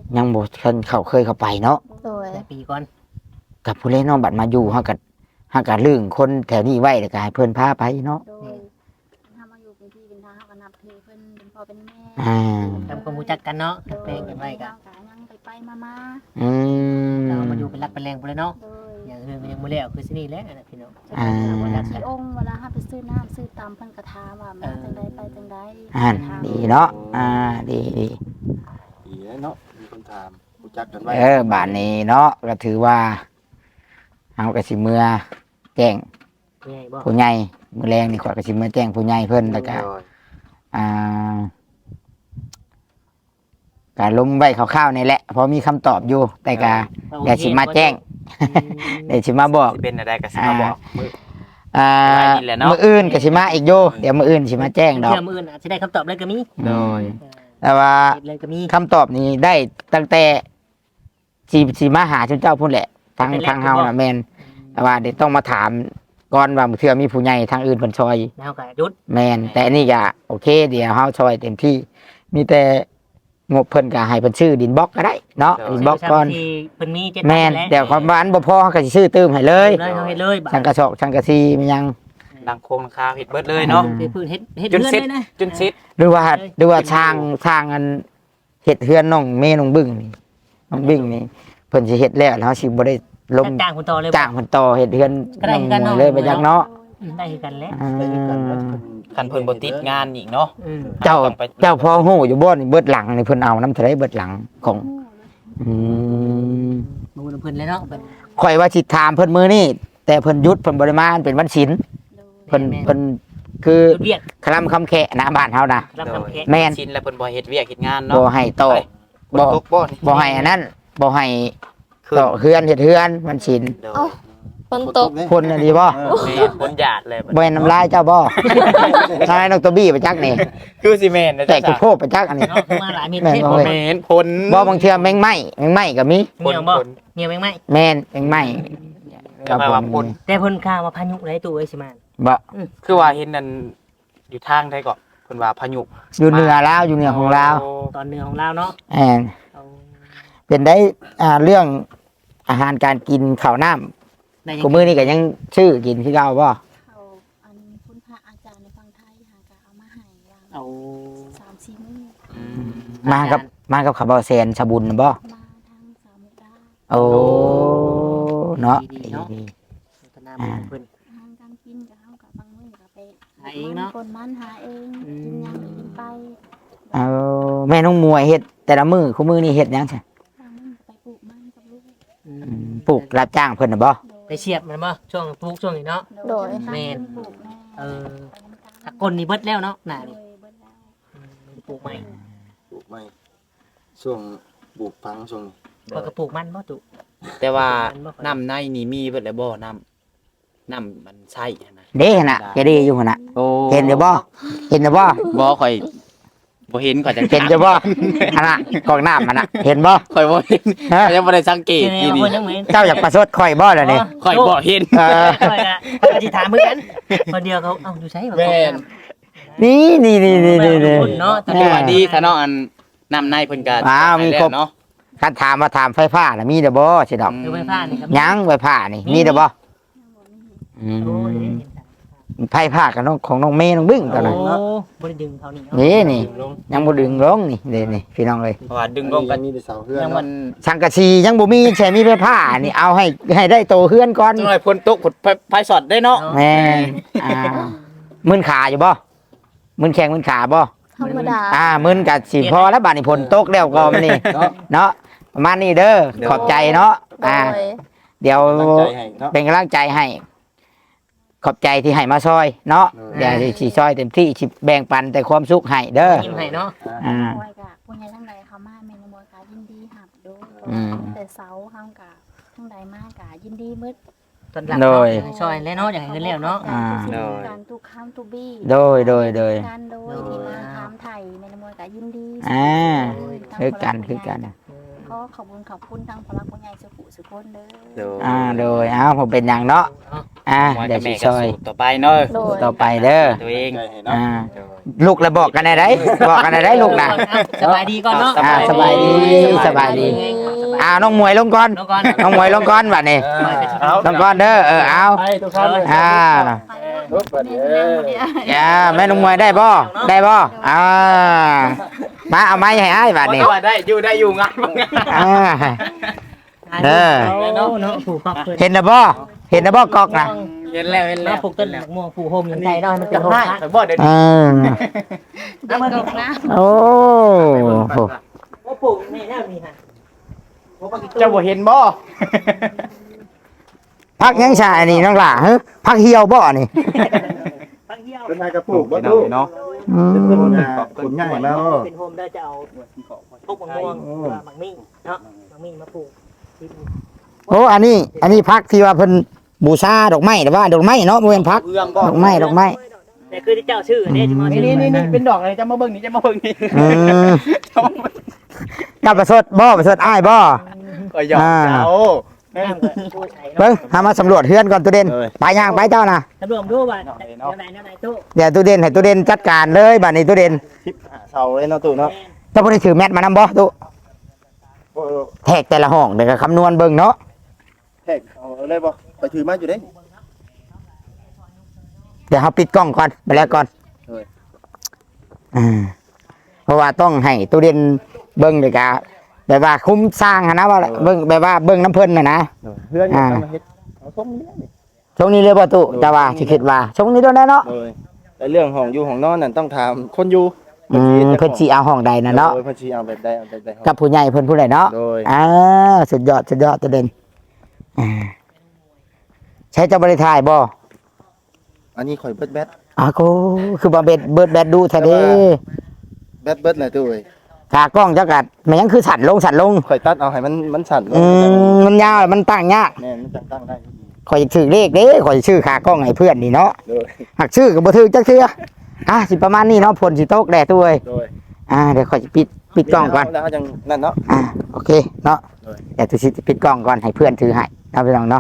Speaker 1: ยังบ่เคยเข้าเคยเข้าไปเนาะ
Speaker 2: โดย
Speaker 4: แต่ปีก่อน
Speaker 1: กับผู้เล่นเนาะบัดมาอยู่เฮาก็เฮาก็ลึงคนแถวนี้ไว้แล้วก็ให้เพิ่นพาไปเนาะ
Speaker 3: โดยถ้ามาอยู่เป็นพี่เป็นน้าเขาก็นับถือเพิ่นเป็นพ่อเป็นแม่
Speaker 1: อ่า
Speaker 4: ทำความรู้จักกันเนาะ
Speaker 3: โดย
Speaker 4: แปลงกันไว้กัน
Speaker 3: เฮาก็ยังไปไปมามา
Speaker 1: อืม
Speaker 4: เรามาอยู่เป็นรักเป็นแรงไปเลยเนาะ
Speaker 3: โดย
Speaker 4: อย่างอื่นมันยังไม่แล้วคือสินี่แหละนะพี่น้อง
Speaker 1: อ่า
Speaker 3: เวลาที่องค์เวลาเฮาไปซื้อน้ำซื้อตำเพิ่นก็ถามว่ามาจังไดไปจังได
Speaker 1: อ่าดีเนาะอ่าดีดี
Speaker 7: ดีเนาะมีคนถามรู้จักกันไว้
Speaker 1: เออบาดนี้เนาะก็ถือว่าเฮาก็สิเมื่อแจ้ง
Speaker 4: ใหญ่บ่
Speaker 1: ผู้ใหญ่มื้อแรงนี่ข่อยก็สิมาแจ้งผู้ใหญ่เพิ่นแล้วก็
Speaker 7: โดย
Speaker 1: อ่าก็ลงไว้คร่าวๆนี่แหละเพราะมีคำตอบอยู่ แต่ก็เดี๋ยวสิมาแจ้งเดี๋ยวสิมาบอก
Speaker 5: สิเป็นอะไรก็สิมาบอกมื้อ
Speaker 1: อ่า
Speaker 5: ไว้นี่แหละเนาะ
Speaker 1: มื้ออื่นก็สิมาอีกอยู่เดี๋ยวมื้ออื่นสิมาแจ้งดอก
Speaker 4: เชื่อมืออื่นอาจจะได้คำตอบเลยก็มี
Speaker 5: โดย
Speaker 1: แต่ว่า
Speaker 4: เฮ็ดเลยก็มี
Speaker 1: คำตอบนี้ได้ตั้งแต่สิสิมาหาเจ้าพุ่นแหละทางทางเฮาน่ะแม่นแต่ว่าเดี๋ยวต้องมาถามก่อนว่าเทื่อมีผู้ใหญ่ทางอื่นเพิ่นช่วย
Speaker 4: แล้วก็หยุด
Speaker 1: แมนแต่อันนี้ก็โอเค เดี๋ยวเฮาช่วยเต็มที่ มีแต่งบเพิ่นก็ให้เพิ่นชื่อดินบล็อกก็ได้เนาะดินบล็อกก่อน
Speaker 4: ที่เพิ่นมีเจ็ด
Speaker 1: แมนเดี๋ยวความบ้านบ่พอเขาก็สิชื่อเติมให้เล
Speaker 4: เลย ยเลยเฮาเฮ็ดเลยบัด
Speaker 1: ช่างกระสอบช่างกระซีมันยัง
Speaker 5: ดังโคงดังคาเฮ็ดเบิดเลยเนาะ
Speaker 4: เฮ็ดพื้นเฮ็ดเฮ็ด
Speaker 5: จน
Speaker 4: เรือน
Speaker 5: เสร็จ
Speaker 4: เลยนะ
Speaker 5: จนเสร็จ
Speaker 1: หรือว่าหรือว่าช่างช่างอันเฮ็ดเฮือนน้องเมน้องบึ้งนี่น้องบึ้งนี่เพิ่นสิเฮ็ดแล้วแล้วเฮาสิบ่ได้ลง
Speaker 4: จ้างคนต่อเลย
Speaker 1: จ้างเพิ่นต่อเฮ็ดเฮือน
Speaker 4: ก็ได้
Speaker 1: น้อง
Speaker 4: คือกันเนาะ
Speaker 1: มวยเลยไปจักเนาะ
Speaker 4: ได้คือกันแล้ว
Speaker 1: อ่า
Speaker 5: คันเพิ่นบ่ติดงานอีกเนาะ
Speaker 4: อืม
Speaker 1: เจ้า
Speaker 5: ต้องไป
Speaker 1: เจ้าพอฮู้อยู่บ่นี่เบิดหลังนี่เพิ่นเอานำเท่าไดเบิดหลังของอืม
Speaker 4: บ่ฮู้นำเพิ่นเลยเนาะแบบ
Speaker 1: ข่อยว่าสิถามเพิ่นมื้อนี้แต่เพิ่นหยุดเพิ่นบ่ได้มาเป็นวันศีลเพิ่นเพิ่นคือ
Speaker 4: หยุดเวียก
Speaker 1: คลำคำแขะนะบ้านเฮานะ
Speaker 4: รับคำแขก
Speaker 1: แม่น
Speaker 5: ชินแล้วเพิ่นบ่เฮ็ดเวียกเฮ็ดงาน
Speaker 1: บ่
Speaker 5: เนาะ
Speaker 1: ให้ต่อ
Speaker 5: บ่
Speaker 1: บ่
Speaker 5: ตกบ่นี่
Speaker 1: บ่ให้อันนั้นบ่ให้
Speaker 5: คือ
Speaker 1: ต่อเฮือนเฮ็ดเฮือนวันศีล
Speaker 5: โดย
Speaker 2: เอ้า ฝนตก
Speaker 1: เพิ่นน่ะดีบ่
Speaker 5: แม่นคนหยาดเลยบัด
Speaker 1: บ่ให้น้ำลายเจ้าบ่นายนกตัวบี้ไปจักนี่
Speaker 5: คือสิแม่นนะ
Speaker 1: แต่
Speaker 5: จ๊ะ
Speaker 1: กูโพกไปจักอันนี้
Speaker 4: เนาะคือมาหลายเม็ด
Speaker 1: แม่น
Speaker 4: เทศ
Speaker 1: บ่
Speaker 4: บ่
Speaker 1: เว้ย
Speaker 5: แม่นผล
Speaker 1: บ่บางเทื่อแมงไหม้แมงไหม้ก็มี
Speaker 4: เหี่ยวบ่เหี่ยวแม่งไหม
Speaker 1: แม่นแมงไหม้
Speaker 5: ก็หมายว่าผล
Speaker 4: แต่เพิ่นข้าวมาพายุได้ตู้ไอ้สิมา
Speaker 1: บ่
Speaker 5: คือว่าเห็นนั่นอยู่ทางใดก็เพิ่นว่าพายุ
Speaker 1: อยู่เหนือลาวอยู่เหนือของลาว
Speaker 5: โ
Speaker 4: ตอนเหนือของเราเนาะ
Speaker 1: แอนเป็นได้อ่าเรื่องอาหารการกินข้าวน้ำ
Speaker 4: ได้ยัง
Speaker 1: กูมื้อนี้ก็ยังชื่อกินคือเก่าบ่
Speaker 3: เขาอันคุณพระอาจารย์ในฝั่งไทยหากะเอามาให้วาง
Speaker 4: เอา
Speaker 3: สามสี่มื้อ
Speaker 5: อืม
Speaker 1: มากับมากับข้าวเบาแซนชาบุญน่ะบ่
Speaker 3: มาทั้งสามมุกดา
Speaker 1: โอ้เนาะ
Speaker 4: ดีๆเนาะ
Speaker 1: ดี
Speaker 4: พัฒนาบุญเพิ่น
Speaker 3: อาหารการกินกับเฮากับบางมื้อก็ไป
Speaker 4: หาเองเนาะ
Speaker 3: คนมันหาเอง
Speaker 4: อืม
Speaker 3: กินหยังก็กินไป
Speaker 1: ๆเอาแม่น้องมวยเฮ็ดแต่ละมื้อคู่มื้อนี้เฮ็ดหยังซั่น
Speaker 3: บางมื้อก็ไปปลูกมันกับลูก
Speaker 4: อื
Speaker 1: อื
Speaker 4: ม
Speaker 1: มปลูกรับจ้างเพิ่นน่ะบ่
Speaker 4: ไปเสียบมันบ่ช่วงปลูกช่วงนี้เนาะ
Speaker 2: โดย
Speaker 4: แม่น
Speaker 3: ปลูกแน่
Speaker 4: เออ
Speaker 3: ไปน้ำตาล
Speaker 4: ถ้าก้นนี่เบิดแล้วเนาะหน้า
Speaker 3: โด
Speaker 4: นี่
Speaker 3: ยเบิดแล้ว
Speaker 4: อืมปลูกใหม่
Speaker 7: ปลูกไม่ช่วงปลูกพังช่วง
Speaker 4: ก็กระปลูกมันบ่ตุ
Speaker 5: แต่ว่า
Speaker 4: มันบ่ค่อย
Speaker 5: น้ำในนี่มีเบิดแล้วบ่น้ำน้ำมันใช่นะ
Speaker 1: เด้หั่นน่ะแกดีอยู่หั่นน่ะ
Speaker 5: โอ้
Speaker 1: เห็นอยู่บ่เห็นอยู่บ่
Speaker 5: บ่ค่อยบ่เห็นข่อยจัง
Speaker 1: เห็นอยู่บ่หั่นน่ะกอกน้ำหั่นน่ะเห็นบ่
Speaker 5: ข่อยบ่เห็น
Speaker 1: ฮะ
Speaker 5: ข่อยยังบ่ได้สังเกต
Speaker 4: เดี๋ยว
Speaker 5: อี
Speaker 4: นี้
Speaker 5: นี่
Speaker 4: เพิ่นยังเหมือน
Speaker 1: เจ้าอยากประชดข่อยบ่ล่ะนี่
Speaker 5: ข่อยบ่เห็น
Speaker 1: เออ
Speaker 4: ข่อยอะข่อยก็สิถามเหมือนกันคนเดียวเขาเอ้าอยู่ไสบ่
Speaker 5: แม่น
Speaker 1: นี่นี่นี่นี่นี่นี่
Speaker 4: คนเนาะแต่
Speaker 5: แต่ว่าดีถ้าเนาะอันน้ำในเพิ่นก็
Speaker 1: อ้าวมีครบ
Speaker 5: เนาะ
Speaker 1: คันถามมาถามไฟฟ้าน่ะมีเด้อบ่สิดอก
Speaker 4: คือไฟฟ้านี่ครับ
Speaker 1: ยังไฟฟ้านี่มีเด้อบ่อืม
Speaker 4: โอ้ย
Speaker 1: ไฟฟ้ากับน้องของน้องเมย์น้องบึ้งตอนนั้น
Speaker 4: โอ้บ่ได้ดึงเขานี่เนาะ
Speaker 1: นี่นี่
Speaker 7: ลง
Speaker 1: ยังบ่ดึงลงนี่เด้นี่พี่น้องเลย
Speaker 5: เพราะว่าดึงลงกัน
Speaker 7: มีแต่เสาเพื่อน
Speaker 5: ยังมัน
Speaker 1: สังกะสียังบ่มีใช่มีไฟฟ้านี่เอาให้ให้ได้โตเฮือนก่อน
Speaker 5: จังหน่อยพ่นตกผดไฟสอดได้เนาะ
Speaker 1: แม่นอ่ามึนขาอยู่บ่มึนแข้งมึนขาบ่
Speaker 2: ธรรมดา
Speaker 1: อ่ามึนกับสิพอแล้วบาดนี้ฝนตกแล้วก็มันนี่
Speaker 7: เนาะ
Speaker 1: เนาะประมาณนี้เด้อขอบใจเนาะ
Speaker 2: โด
Speaker 1: อ่าย เดี๋ยว
Speaker 7: ตั้งใจให้เนาะ
Speaker 1: เป็นกำลังใจให้ ขอบใจที่ให้มาซอย เนาะ
Speaker 7: เออ
Speaker 1: เดี๋ยวสิซอยเต็มที่สิแบ่งปันแต่ความสุขให้เด้อ
Speaker 4: ยิ้มให้เนาะ
Speaker 1: อ่า
Speaker 3: มวยกะผู้ใหญ่ทั้งใดเขามาแม่นมวยกะยินดีหับดู
Speaker 1: อืม
Speaker 3: แต่เสาเฮากะทั้งใดมากะยินดีมืด
Speaker 4: ตอนหลัง
Speaker 1: โดย
Speaker 4: เนาะช่วยแล้วเนาะอยากให้เงินแล้วเนาะ
Speaker 1: อ่า
Speaker 3: การทุกข้ามทุกบี้
Speaker 1: โดยโดยโดย
Speaker 3: การโดยที่มาถามไทยแม่นมวยกะยินดี
Speaker 1: อ่า
Speaker 3: โดยทั้ง
Speaker 1: คือกัน
Speaker 3: คละ
Speaker 1: คือกัน
Speaker 3: ขอขอบคุณขอบคุณทางพลักผู้ใหญ่สุขุสุคนเด้
Speaker 5: โด
Speaker 3: อย
Speaker 1: อ่าโดยเอ้าผมเป็นหยังเนาะอ่า
Speaker 5: หมวย
Speaker 1: เดี๋
Speaker 5: กั
Speaker 1: ยว
Speaker 5: บ
Speaker 1: สิ
Speaker 5: แม่
Speaker 1: ซ
Speaker 5: ก็
Speaker 1: อย
Speaker 5: สู้ต่อไปเนาะ
Speaker 2: โดย
Speaker 1: ต่อไปเด้อ
Speaker 5: ตัวเอง
Speaker 7: ใจให้เนาะ
Speaker 1: อ่า
Speaker 5: โดย
Speaker 1: ลูกแล้วบอกกันได้ไดบอกกันได้ไดลูกนะ
Speaker 4: สบายดีก่อนเนาะ
Speaker 1: อ่าสบายดีสบายดีอ่าน้องมวยลงก่อน
Speaker 4: น้องก่อน
Speaker 1: น้องมวยลงก่อนบัดนี้
Speaker 7: เอา
Speaker 1: ลงก่อนเด้อเออเอา
Speaker 7: ให้ทุกท่านเลย
Speaker 1: อ่า
Speaker 7: ลุกบัดนี้
Speaker 1: อย่าแม่น้องมวยได้บ่ได้บ่อ่ามาเอาไม้ให้อ้ายบัดนี้
Speaker 5: ว่าได้อยู่ได้อยู่งานบ่งาน
Speaker 1: อ่า เออ
Speaker 4: เนาะเนาะผูกครอบครัว
Speaker 1: เห็นนะบ่เห็นนะบ่กอกนะ
Speaker 5: เห็นแล้วเห็นแล้
Speaker 4: เนาะ
Speaker 5: ว
Speaker 4: ผูกต้นหมากม่วงผูกโฮมอย่างใจเนาะให้มันเป็นโฮม
Speaker 5: ได้
Speaker 4: นะ
Speaker 5: แต่บ่เดี๋ยว
Speaker 1: เอ
Speaker 5: นี้
Speaker 1: อ
Speaker 3: เด็กตกนะ
Speaker 1: โอ้
Speaker 4: ว่าปลูกนี่แน่นี่ฮะ
Speaker 5: เจ้าบ่เห็นบ่
Speaker 1: พักยังชาอันนี้น้องหล่าเฮ้ยพักเหี่ยวบ่นี่
Speaker 4: พังเหี่ยว
Speaker 7: เป็นนายกระปุกบ่
Speaker 5: เนา
Speaker 7: ตู้
Speaker 5: เนาะ
Speaker 1: อืม
Speaker 7: เป็นคนงานคนง่ายแล้ว
Speaker 4: เป็นโฮมได้จะเอาพวกมะม่วงหมักมิ่งเนาะหมักมิ่งมาปลูกที่
Speaker 1: โอ้อันนี้ อันนี้พักที่ว่าเพิ่นบูชาดอกไม้แต่ว่าดอกไม้เนาะบ่แม่นพัก
Speaker 5: เอื้องบ่
Speaker 1: ดอกไม้ดอกไม้
Speaker 4: แต่คือที่เจ้าชื่อเนี่ยจะมา
Speaker 5: นี่
Speaker 4: ชื่อ
Speaker 5: นี่นี่เป็นดอกอะไรจะมาเบิ่งนี่จะมาเบิ่งนี่
Speaker 1: อืมกับประสดบ่ประสดอ้ายบ่
Speaker 5: ก็ยอม
Speaker 1: อ่า
Speaker 5: เจ้า
Speaker 4: น้ำก็ผู้ใช้
Speaker 1: เบิ่งหามาสำรวจเฮือนก่อนตู้เด่น
Speaker 7: เอ้ย
Speaker 1: ไปย่างไปเจ้านะ
Speaker 4: ตำรวจดูว่าแนวไหนแนวไหนตู้
Speaker 1: เดี๋ยวตู้เด่นให้ตู้เด่นจัดการเลยบัดนี้ตู้เด่น
Speaker 7: ทิปหาเสาเลยเนาะตู้เนาะ
Speaker 1: เจ้าบ่ได้ถือแมทมานำบ่ตู้
Speaker 7: โอ้
Speaker 1: แทกแต่ละห้องเดี๋ยวก็คำนวณเบิ่งเนาะ
Speaker 7: แทกเอาเลยบ่ไปถือมาอยู่เด้
Speaker 1: เดี๋ยวเฮาปิดกล้องก่อนไปแล้วก่อน
Speaker 7: เอ้ย
Speaker 1: อ่าเพราะว่าต้องให้ตู้เด่นเบิ่งเลยกะแบบว่าคุ้มสร้างหั้นนะว่าเบิ่งแบบว่าเบิ่งน้ำเพิ่นน่ะนะ
Speaker 7: เพื่อนอยู่มาเฮ็ดเอาส้มนี่นี่
Speaker 1: ช่วงนี้เลยบ่ตุแต่ว่าสิคิดว่าช่วงนี้ด้วยแน่เนาะ
Speaker 7: เลยแต่เรื่องของอยู่ของนอนนั่นต้องถามคนอยู่
Speaker 1: อืมเพิ่นสิเอาห้องใดน่ะเนาะ
Speaker 7: โดยเพิ่นสิเอาแบบใดเอาแบบใด
Speaker 1: กับผู้ใหญ่เพิ่นผู้ใดเนาะ
Speaker 7: โดย
Speaker 1: อ่าสุดยอดสุดยอดตัวเด่นอ่าใช้เจ้าบริทายบ่
Speaker 7: อันนี้ข่อยเบิดแบต
Speaker 1: อาโกคือบ่เบ็ดเบิดแบดดูแท้เด้
Speaker 7: แบตเบิดเลยตู้เอ้ย
Speaker 1: ขากล้องเจ้ากัดมันยังคือสั่นลงสั่นลง
Speaker 7: ข่อยตัดเอาให้มันมันสั่นลง
Speaker 1: อืมมันยาวมันตั้งยาก
Speaker 7: แม่นมันจังตั้งได้ดี
Speaker 1: ข่อยถือเลขเด้ข่อยชื่อขากล้องให้เพื่อนนี่เนาะ
Speaker 7: โดย
Speaker 1: หักชื่อก็บ่ถือจักเทื่ออ่ะสิประมาณนี้เนาะฝนสิตกแดดตัวเอ้ย
Speaker 7: โดย
Speaker 1: อ่าเดี๋ยวข่อยสิปิดปิดกล้องก่อน
Speaker 7: แล้วเขาจังนั่นเนาะ
Speaker 1: อ่าโอเคเนาะ
Speaker 7: โดย
Speaker 1: เดี๋ยวตุชิปิดกล้องก่อนให้เพื่อนถือให้นะพี่น้องเนาะ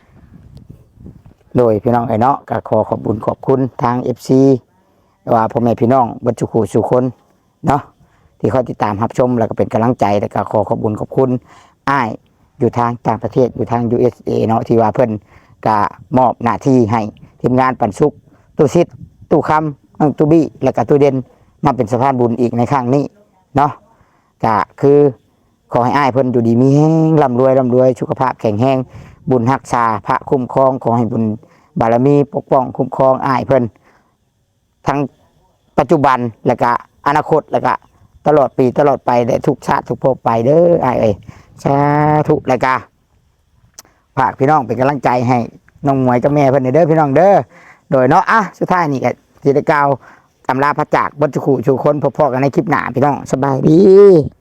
Speaker 1: โดยพี่น้องไอ้เนาะก็ขอขอบคุญขอบคุณทาง เอฟ ซี ว่าพ่อแม่พี่น้องบรรจุขู่สุคนเนาะที่คอยติดตามรับชมแล้วก็เป็นกำลังใจแล้วก็ขอขอบคุญขอบคุณอ้ายอยู่ทางต่างประเทศอยู่ทาง ยู เอส เอ เนาะที่ว่าเพิ่นก็มอบหน้าที่ให้ทีมงานปันสุกตู้ซิดตู้คำตู้บี้แล้วก็ตู้เด่นมาเป็นสะพานบุญอีกในครั้งนี้เนาะก็คือ ขอให้อ้ายเพิ่นอยู่ดีมีแห้งร่ำรวยร่ำรวยสุขภาพแข็งแรงบุญรักษาพระคุ้มครองขอให้บุญบารมีปกป้องคุ้มครองอ้ายเพิ่นทั้งปัจจุบันแล้วก็อนาคตแล้วก็ตลอดปีตลอดไปและทุกชาติทุกภพไปเด้ออ้ายเอ้ยสาธุแล้วก็ฝากพี่น้องเป็นกำลังใจให้น้องหมวยกับแม่เพิ่นเด้อพี่น้องเด้อโดยเนาะอ่ะสุดท้ายนี่ก็สิได้กล่าวอำลาพระจากบรรจุขู่ชูคนพบๆกันในคลิปหน้าพี่น้องสบายดี